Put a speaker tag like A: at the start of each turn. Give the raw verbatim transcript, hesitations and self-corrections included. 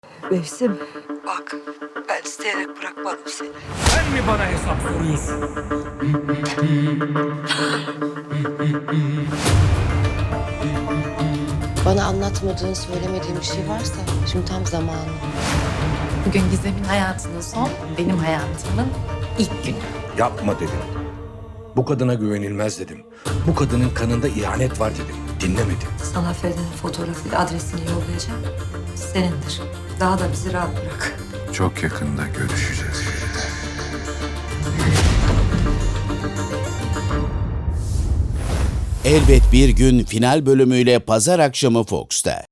A: Mevsim, bak ben isteyerek bırakmadım seni.
B: Sen mi bana hesap soruyorsun?
C: Bana anlatmadığın, söylemediğin bir şey varsa şimdi tam zamanı.
D: Bugün Gizem'in hayatının son, benim hayatımın ilk günü.
B: Yapma dedim. Bu kadına güvenilmez dedim. Bu kadının kanında ihanet var dedim. Dinlemedin.
A: Sana Feride'nin fotoğrafıyla adresini yollayacağım. Senindir. Daha da bizi rahat bırak.
E: Çok yakında görüşeceğiz.
F: Elbet Bir Gün final bölümüyle pazar akşamı Fox'ta.